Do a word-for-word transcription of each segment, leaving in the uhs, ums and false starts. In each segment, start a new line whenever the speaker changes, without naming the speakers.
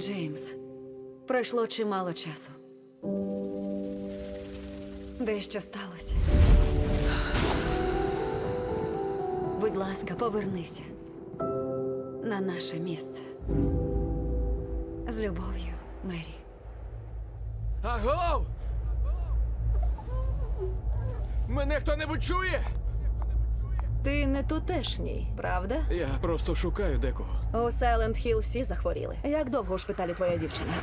Джеймс, пройшло чимало часу. Дещо сталося. Будь ласка, повернися на наше місце. З любов'ю, Мері.
Агов! Мене хто-небудь чує?
Ти не тутешній, правда?
Я просто шукаю декого.
У Сайленд Хіл всі захворіли. Як довго у шпиталі твоя дівчина?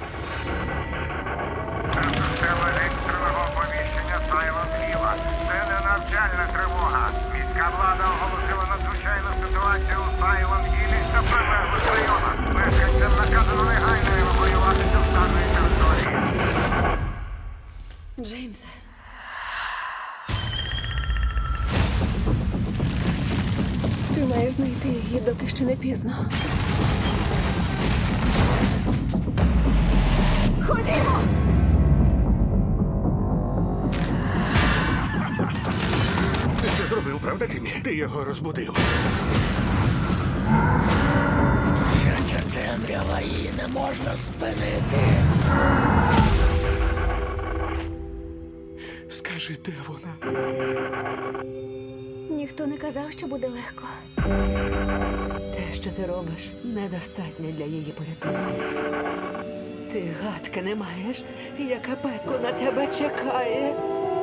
Це система екстреного оповіщення Silent Hill. Це не навчальна тривога. Міська влада оголосила надзвичайну ситуацію у Silent Hill та прилеглих районах. Мешканцям наказано негайно евакуюватися з даної території.
Джеймсе.
Ти маєш знайти її, доки ще не пізно. Ходімо!
Ти це зробив, правда, Джиммі? Ти його розбудив.
Вся ця темрява, її не можна спинити.
Скажи, де вона?
Ніхто не казав, що буде легко.
Те, що ти робиш, недостатньо для її порятунку. Ти гадки не маєш, яке пекло на тебе чекає.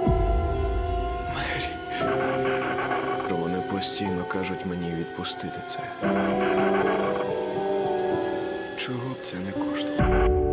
Мері. Вони постійно кажуть мені відпустити це. Чого б це не коштувало?